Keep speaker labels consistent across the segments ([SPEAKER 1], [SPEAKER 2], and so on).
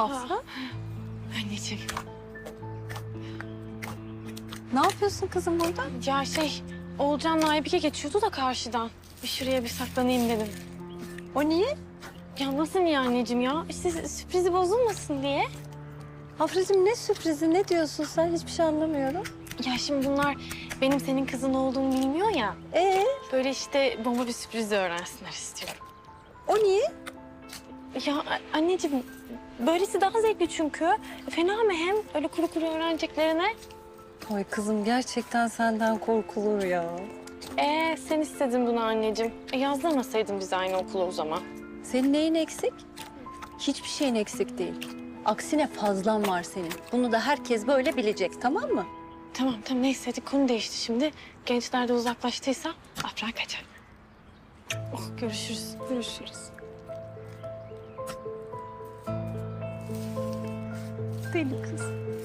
[SPEAKER 1] Afra,
[SPEAKER 2] Anneciğim.
[SPEAKER 1] ne yapıyorsun kızım burada?
[SPEAKER 2] Ya Oğulcan'la Aybike geçiyordu da karşıdan. Bir şuraya bir saklanayım dedim.
[SPEAKER 1] O niye?
[SPEAKER 2] Ya nasıl niye anneciğim ya? İşte sürprizi bozulmasın diye.
[SPEAKER 1] Afracığım ne sürprizi, ne diyorsun sen? Hiçbir şey anlamıyorum.
[SPEAKER 2] Ya şimdi bunlar benim senin kızın olduğumu bilmiyor ya. Böyle işte bomba bir sürpriz öğrensinler istiyorum.
[SPEAKER 1] O niye?
[SPEAKER 2] Ya anneciğim böylesi daha zevkli çünkü. Fena mı hem öyle kuru kuru öğreneceklerine?
[SPEAKER 1] Ay kızım gerçekten senden korkulur ya.
[SPEAKER 2] Sen istedin bunu anneciğim. Yazdırmasaydın bizi aynı okula o zaman.
[SPEAKER 1] Senin neyin eksik? Hiçbir şeyin eksik değil. Aksine fazlan var senin. Bunu da herkes böyle bilecek, tamam mı?
[SPEAKER 2] Tamam neyse hadi konu değişti şimdi. Gençler de uzaklaştıysa Afra kaçar. Oh görüşürüz.
[SPEAKER 1] Görüşürüz. Deli kız.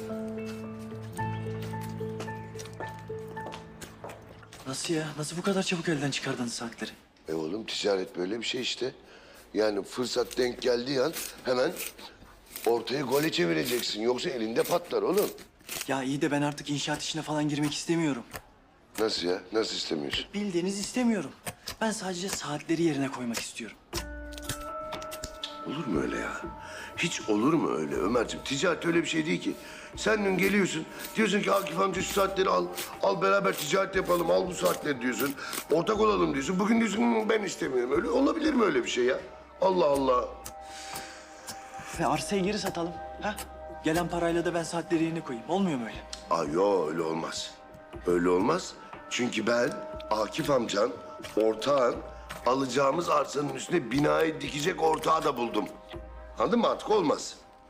[SPEAKER 3] Nasıl ya? Nasıl bu kadar çabuk elden çıkardınız saatleri?
[SPEAKER 4] Oğlum ticaret böyle bir şey işte. Yani fırsat denk geldiği an hemen ortaya gole çevireceksin. Yoksa elinde patlar oğlum.
[SPEAKER 3] Ya iyi de ben artık inşaat işine falan girmek istemiyorum.
[SPEAKER 4] Nasıl ya? Nasıl istemiyorsun?
[SPEAKER 3] Bildiğiniz istemiyorum. Ben sadece saatleri yerine koymak istiyorum.
[SPEAKER 4] Olur mu öyle ya? Hiç olur mu öyle Ömerciğim? Ticaret öyle bir şey değil ki. Sen dün geliyorsun, diyorsun ki Akif amca şu saatleri al. Al beraber ticaret yapalım, al bu saatleri diyorsun. Ortak olalım diyorsun. Bugün diyorsun ben istemiyorum. Öyle olabilir mi öyle bir şey ya? Allah Allah.
[SPEAKER 3] Ve arsayı geri satalım. Ha? Gelen parayla da ben saatleri yerine koyayım. Olmuyor mu öyle?
[SPEAKER 4] Yo öyle olmaz. Öyle olmaz. Çünkü ben Akif amcan, ortağın alacağımız arsanın üstüne binayı dikecek ortağı da buldum. Anladın mı? Artık olmaz.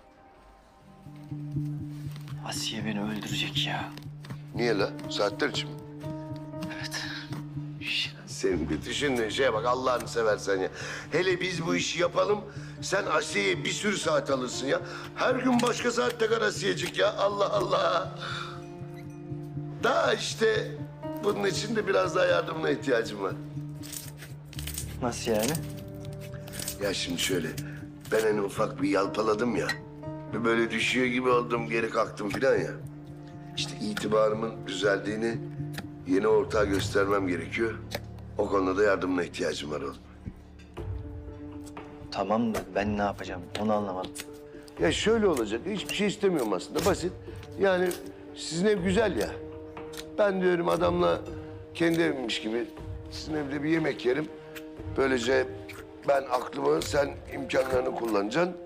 [SPEAKER 3] Asiye beni öldürecek ya.
[SPEAKER 4] Niye la? Saatler için mi?
[SPEAKER 3] Evet.
[SPEAKER 4] Senin bir düşündüğün şeye bak Allah'ını seversen ya. Hele biz bu işi yapalım. Sen Asiye'ye bir sürü saat alırsın ya. Her gün başka saat takar Asiye'cik ya. Allah Allah. Daha işte bunun için de biraz daha yardımına ihtiyacım var.
[SPEAKER 3] Nasıl yani?
[SPEAKER 4] Ya şimdi şöyle, ben hani ufak bir yalpaladım ya. Ve böyle düşüyor gibi oldum, geri kalktım filan ya. İşte itibarımın düzeldiğini yeni ortağa göstermem gerekiyor. O konuda da yardımına ihtiyacım var oğlum.
[SPEAKER 3] Tamam da ben ne yapacağım? Onu anlamadım.
[SPEAKER 4] Ya şöyle olacak, hiçbir şey istemiyorum aslında, basit. Yani sizin ev güzel ya. Ben diyorum adamla kendi evimmiş gibi sizin evde bir yemek yerim. Böylece ben aklımı, sen imkanlarını kullanacaksın.